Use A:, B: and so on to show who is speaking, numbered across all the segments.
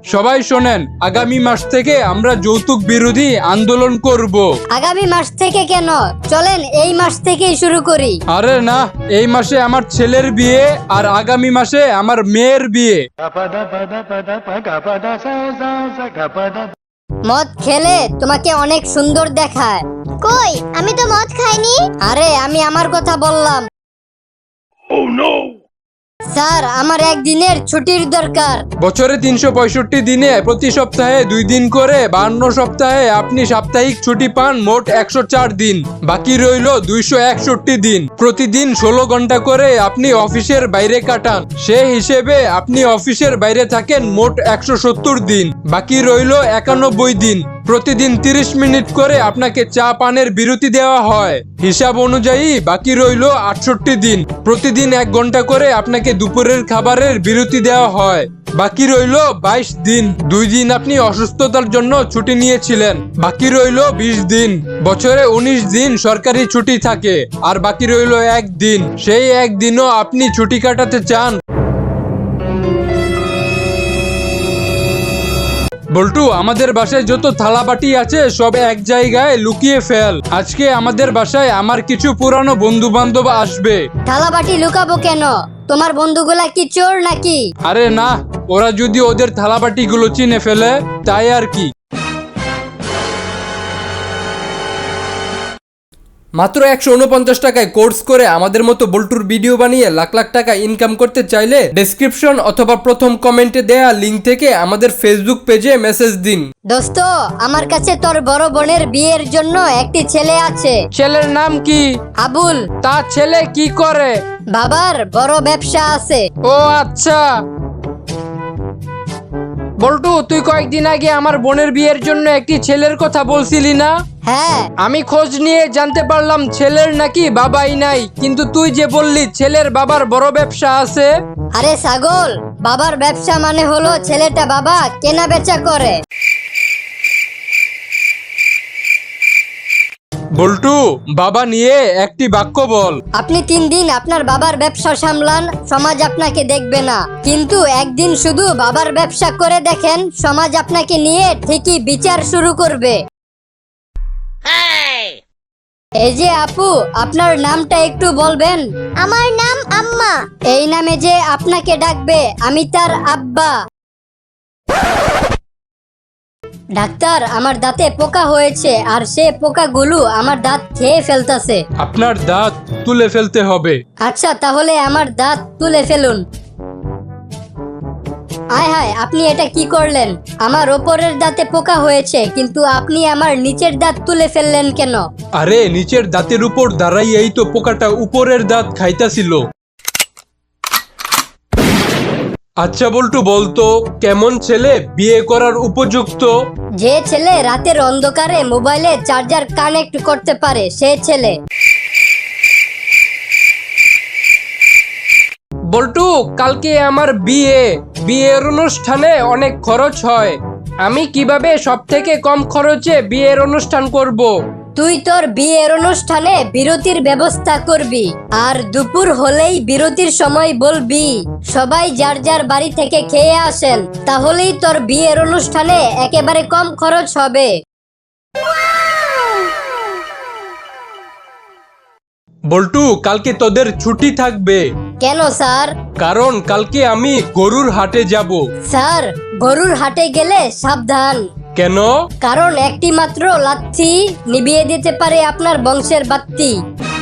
A: সবাই শোনেন, আগামী মাস থেকে আমরা যৌতুক বিরোধী আন্দোলন করব।
B: আগামী মাস থেকে কেন? চলেন এই মাস থেকেই শুরু করি।
A: আরে না, এই মাসে আমার ছেলের বিয়ে আর আগামী মাসে আমার মেয়ের বিয়ে।
B: মদ খেলে তোমাকে অনেক সুন্দর দেখায়।
C: কই, আমি তো মদ খাইনি।
B: আরে আমি আমার কথা বললাম। স্যার, আমার একদিনের ছুটির দরকার।
A: বছরে 365 দিনে প্রতি সপ্তাহে 2 দিন করে 52 সপ্তাহে আপনি সাপ্তাহিক ছুটি পান মোট 104 দিন। বাকি রইল 261 দিন। প্রতিদিন 16 ঘন্টা করে আপনি অফিসের বাইরে কাটান। সে হিসেবে আপনি অফিসের বাইরে থাকেন মোট 170 দিন। বাকি রইল 91 দিন। প্রতিদিন 30 মিনিট করে আপনাকে চা পানের বিরতি দেওয়া হয়। হিসাব অনুযায়ী বাকি রইল 68 দিন। প্রতিদিন 1 ঘন্টা করে আপনাকে দুপুরের খাবারের বিরতি দেওয়া হয়। বাকি রইল 22 দিন। 2 দিন আপনি অসুস্থতার জন্য ছুটি নিয়েছিলেন। বাকি রইল 20 দিন। বছরে 19 দিন সরকারি ছুটি থাকে, আর বাকি রইল 1 দিন। সেই 1 দিনও আপনি ছুটি কাটাতে চান। বল্টু, আমাদের বাসায় যত থালা বাটি আছে সব এক জায়গায় লুকিয়ে ফেল। আজকে আমাদের বাসায় আমার কিছু পুরানো বন্ধু বান্ধব আসবে।
B: থালা বাটি লুকাবো কেন? তোমার বন্ধুগুলা কি চোর নাকি?
A: আরে না, ওরা যদি ওদের থালা বাটি গুলো চিনে ফেলে তাই আর কি। মাত্র 149 টাকায় কোর্স করে আমাদের মতো বল্টুর ভিডিও বানিয়ে লাখ লাখ টাকা ইনকাম করতে চাইলে ডেসক্রিপশন অথবা প্রথম কমেন্টে দেয়া লিংক থেকে আমাদের ফেসবুক পেজে মেসেজ দিন।
B: দোস্ত, আমার কাছে তোর বড় বোনের বিয়ের জন্য একটি ছেলে আছে।
A: ছেলের নাম কি?
B: আবুল।
A: তার ছেলে কি করে?
B: বাবার বড় ব্যবসা আছে।
A: ও আচ্ছা। বল্টু, তুই কয়েকদিন আগে আমার বোনের বিয়ের জন্য একটি ছেলের কথা বলছিলি না?
B: হ্যাঁ।
A: আমি খোঁজ নিয়ে জানতে পারলাম ছেলের নাকি বাবাই নাই, কিন্তু তুই যে বললি ছেলের বাবার বড় ব্যবসা আছে।
B: আরে ছাগল, বাবার ব্যবসা মানে হলো ছেলেটা বাবা কেনা বেচা করে।
A: বল্টু, বাবা নিয়ে একটি বাক্য বল।
B: আপনি 3 দিন আপনার বাবার ব্যবসা সামলান, সমাজ আপনাকে দেখবে না। কিন্তু একদিন শুধু বাবার ব্যবসা করে দেখেন, সমাজ আপনাকে নিয়ে ঠিকই বিচার শুরু করবে। এই যে আপু, আপনার নামটা একটু বলবেন?
C: আমার নাম আম্মা।
B: এই নামে যে আপনাকে ডাকবে, আমি তার আব্বা। ডাক্তার, আমার দাঁতে পোকা হয়েছে, আর সে পোকাগুলো আমার দাঁত খেয়ে ফেলতেছে।
A: আপনার দাঁত তুলে ফেলতে হবে।
B: আচ্ছা, তাহলে আমার দাঁত তুলে ফেলুন। আয় হায়, আপনি এটা কি করলেন? আমার ওপরের দাঁতে পোকা হয়েছে, কিন্তু আপনি আমার নিচের দাঁত তুলে ফেললেন কেন?
A: আরে, নিচের দাঁতের উপর দাঁড়াইয়াই তো পোকাটা উপরের দাঁত খাইতাছিল। আচ্ছা বল্টু, বলতো কেমন ছেলে বিয়ে করার উপযুক্ত?
B: যে ছেলে রাতের অন্ধকারে মোবাইলে চার্জার কানেক্ট করতে পারে, সে ছেলে।
A: বল্টু, কালকে আমার বিয়ের অনুষ্ঠানে অনেক খরচ হয়। আমি কিভাবে সবথেকে কম খরচে বিয়ের অনুষ্ঠান করব?
B: তুই তোর বিয়ের অনুষ্ঠানে বিরতির ব্যবস্থা করবি, আর দুপুর হলেই বিরতির সময় বলবি সবাই যার যার বাড়ি থেকে খেয়ে আসেন। তাহলেই তোর বিয়ের অনুষ্ঠানে একেবারে কম খরচ হবে।
A: বল্টু, কালকে তোদের ছুটি থাকবে।
B: কেন স্যার?
A: কারণ কালকে আমি গরুর হাটে যাব।
B: স্যার, গরুর হাটে গেলে সাবধান।
A: কেন?
B: কারণ একটি মাত্র লাথি নিভিয়ে দিতে পারে আপনার বংশের বাত্তি।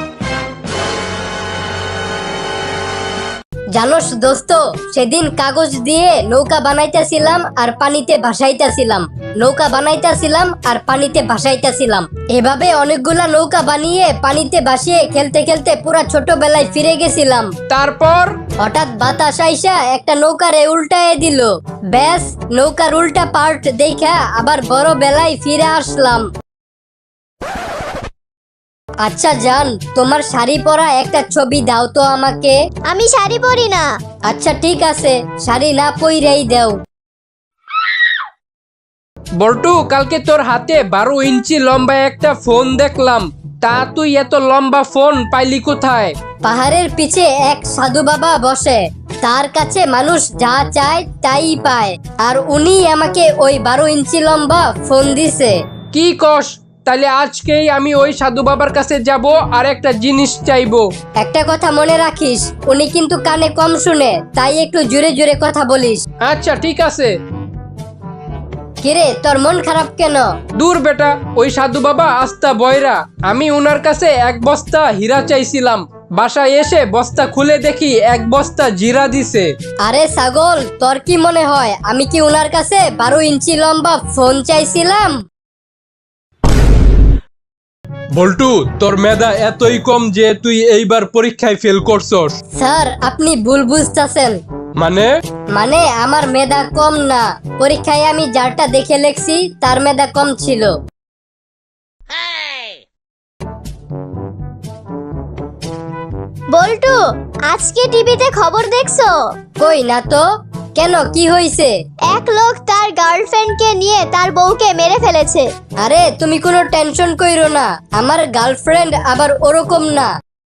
B: জানোস দোস্ত, সেদিন কাগজ দিয়ে নৌকা বানাইতেছিলাম আর পানিতে ভাসাইতেছিলাম, নৌকা বানাইতেছিলাম আর পানিতে ভাসাইতেছিলাম। এভাবে অনেকগুলা নৌকা বানিয়ে পানিতে ভাসিয়ে খেলতে খেলতে পুরা ছোটবেলায় ফিরে গেছিলাম।
A: তারপর
B: হঠাৎ বাতাস আইসা একটা নৌকারে উল্টায় দিল। ব্যাস, নৌকার উল্টা পার্ট দেখা আবার বড় বেলায় ফিরে আসলাম। আচ্ছা জান, তোমার শাড়ি পরা একটা ছবি দাও তো আমাকে।
C: আমি শাড়ি পরি না।
B: আচ্ছা ঠিক আছে, শাড়ি না পইরাই দাও।
A: বল্টু, কালকে তোর হাতে 12 ইঞ্চি লম্বা একটা ফোন দেখলাম। তা তুই এত লম্বা ফোন পাইলি কোথায়?
B: পাহাড়ের পিছে এক সাধু বাবা বসে, তার কাছে মানুষ যা চায় তাই পায়, আর উনি আমাকে ওই 12 ইঞ্চি লম্বা ফোন দিছে।
D: কি কস? তাহলে আজকেই আমি ওই সাধু বাবার কাছে যাব আর একটা জিনিস চাইবো।
B: একটা কথা মনে রাখিস, উনি কিন্তু কানে কম শুনে, তাই একটু জোরে জোরে কথা বলিস।
D: আচ্ছা ঠিক আছে।
B: কিরে, তোর মন খারাপ কেন?
D: দূর বেটা, ওই সাধু বাবা আস্তা বয়রা। আমি উনার কাছে 1 বস্তা হীরা চাইছিলাম, বাসায় এসে বস্তা খুলে দেখি 1 বস্তা জিরা দিছে।
B: আরে ছাগল, তোর কি মনে হয় আমি কি উনার কাছে 12 ইঞ্চি লম্বা ফোন চাইছিলাম?
A: বল্টু, তোর মেধা এতই কম যে তুই এইবার পরীক্ষায় ফেল করছস।
B: স্যার, আপনি ভুল বুঝতেছেন।
A: মানে
B: আমার মেধা কম না, পরীক্ষায় আমি যারটা দেখে লেখছি তার মেধা কম ছিল।
C: বল্টু, আজকে টিভিতে খবর দেখছো?
B: কই না তো। কেন, কি হয়েছে?
C: এক লোক তার গার্লফ্রেন্ডকে নিয়ে তার বউকে মেরে ফেলেছে।
B: আরে তুমি কোনো টেনশন কইরো না, আমার গার্লফ্রেন্ড আবার ওরকম না।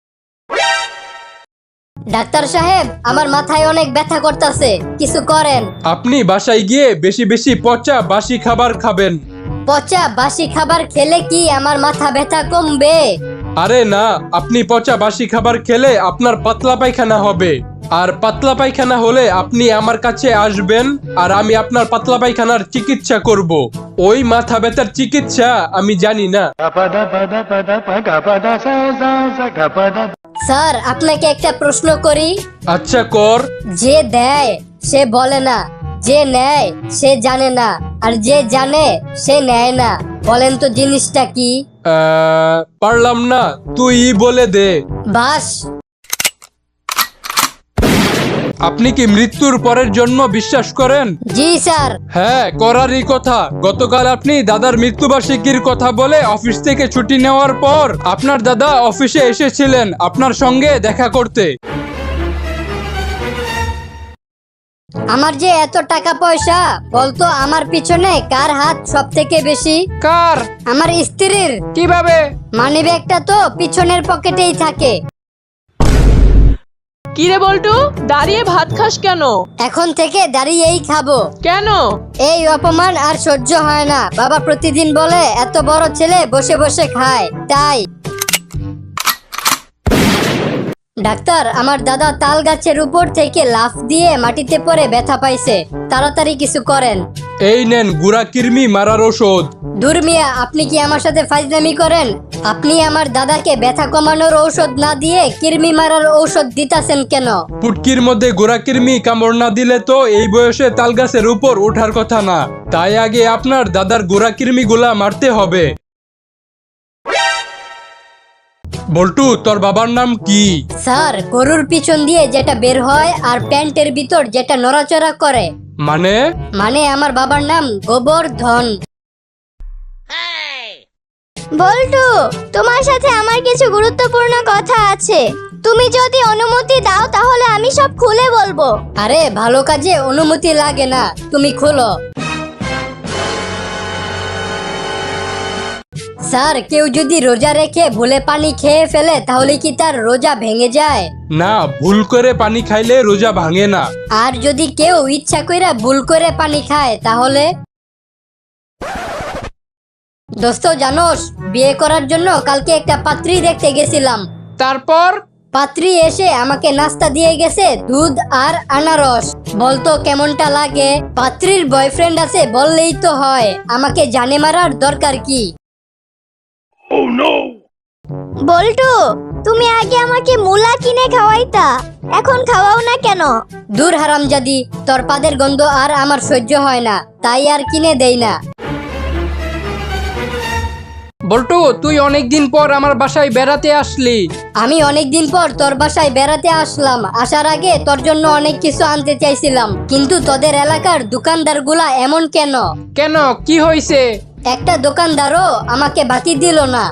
B: ডাক্তার সাহেব, আমার মাথায় অনেক ব্যথা করতেছে, কিছু করেন।
A: আপনি বাসায় গিয়ে বেশি বেশি পচা বাসি খাবার খাবেন।
B: পচা বাসি খাবার খেলে কি আমার মাথা ব্যথা কমবে?
A: আরে না, আপনি পচা বাসি খাবার খেলে আপনার পাতলা পায়খানা হবে, আর পাতলা পায়খানা হলে আপনি আমার কাছে আসবেন আর আমি আপনার পাতলা পায়খানার চিকিৎসা করব। ওই মাথা ব্যথার চিকিৎসা আমি জানি না।
B: স্যার, আপনাকে একটা প্রশ্ন করি।
A: আচ্ছা কর।
B: যে দেয় সে বলে না, যে নেয় সে জানে না, আর যে জানে সে নেয় না। বলেন তো জিনিসটা কি?
A: পারলাম না, তুই বলে দে।
B: বাস।
A: আপনি কি মৃত্যুর পরের জন্ম বিশ্বাস করেন?
B: জি স্যার।
A: হ্যাঁ, করারই কথা। গতকাল আপনি দাদার মৃত্যুবার্ষিকীর কথা বলে অফিস থেকে ছুটি নেওয়ার পর আপনার দাদা অফিসে এসেছিলেন আপনার সঙ্গে দেখা করতে।
B: আমার যে এত টাকা পয়সা, বলতো আমার পিছনে কার হাত সব থেকে বেশি?
D: কার?
B: আমার স্ত্রীর।
D: কিভাবে?
B: মানিব্যাগটা তো পিছনের পকেটেই থাকে।
E: কিরে বল্টু, দাঁড়িয়ে ভাত খাস কেন?
B: এখন থেকে দাঁড়িয়েই খাবো।
E: কেন?
B: এই অপমান আর সহ্য হয় না। বাবা প্রতিদিন বলে এত বড় ছেলে বসে বসে খায়, তাই। ডাক্তার, আমার দাদা তাল গাছের উপর থেকে লাফ দিয়ে মাটিতে পড়ে ব্যথা পাইছে, তাড়াতাড়ি কিছু করেন।
A: এই নেন গুড়া কৃমি মারার ওষুধ।
B: দূর মিয়া, আপনি কি আমার সাথে ফাজলামি করেন? আপনি আমার দাদাকে ব্যথা কমানোর ঔষধ না দিয়ে কৃমি মারার ঔষধ দিতাছেন কেন?
A: পুটকির মধ্যে গোড়া কৃমি কামড় না দিলে তো এই বয়সে তাল গাছের উপর ওঠার কথা না, তাই আগে আপনার দাদার গোড়া কৃমি গুলা মারতে হবে। বল্টু, তোর বাবার নাম কি?
B: স্যার, গরুর পিছন দিয়ে যেটা বের হয় আর প্যান্টের ভিতর যেটা নড়াচড়া করে।
A: মানে
B: আমার বাবার নাম গোবর্ধন।
C: বল্টু, তোমার সাথে আমার কিছু গুরুত্বপূর্ণ কথা আছে। তুমি যদি অনুমতি দাও তাহলে আমি সব খুলে বলবো।
B: আরে ভালো কাজে অনুমতি লাগে না, তুমি খোলো। স্যার, কেউ যদি রোজা রেখে ভুলে পানি খেয়ে ফেলে তাহলে কি তার রোজা ভেঙে যায়?
A: না, ভুল করে পানি খাইলে রোজা ভাঙে না।
B: আর যদি কেউ ইচ্ছা কইরা ভুল করে পানি খায় তাহলে? দোস্ত জানোস, বিয়ে করার জন্য কালকে একটা পাত্রী দেখতে গেছিলাম।
D: তারপর?
B: পাত্রী এসে আমাকে নাস্তা দিয়ে গেছে দুধ আর আনারস। বলতো কেমনটা লাগে? পাত্রীর বয়ফ্রেন্ড আছে বললেই তো হয়, আমাকে জানে মারার দরকার কি?
C: বল্টু, তুমি আগে আমাকে মুলা কিনে খাওয়াইতা, এখন খাওয়াও না কেন?
B: দূর হারামজাদি, তোর পাদের গন্ধ আর আমার সহ্য হয় না, তাই আর কিনে দেই না।
D: বল্টু, তুই অনেকদিন পর আমার বাসায় বেড়াতে আসলি।
B: আমি অনেকদিন পর তোর বাসায় বেড়াতে আসলাম। আসার আগে তোর জন্য অনেক কিছু আনতে চাইছিলাম, কিন্তু তোদের এলাকার দোকানদারগুলা এমন কেন?
D: কেন, কি হয়েছে?
B: একটা দোকানদারও আমাকে বাকি দিল না।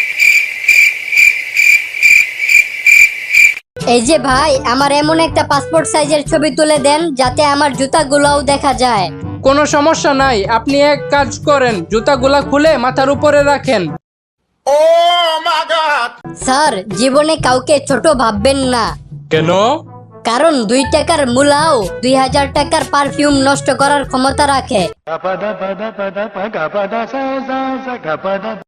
B: এই যে ভাই, আমার এমন একটা পাসপোর্ট সাইজের ছবি তুলে দেন যাতে আমার জুতাগুলোও দেখা যায়।
D: কোনো সমস্যা নাই, আপনি এক কাজ করেন, জুতাগুলা খুলে মাথার উপরে রাখেন।
B: স্যার, জীবনে কাউকে ছোট ভাববেন না।
A: কেন?
B: কারণ 2 টাকার মূলাও 2000 টাকার পারফিউম নষ্ট করার ক্ষমতা রাখে।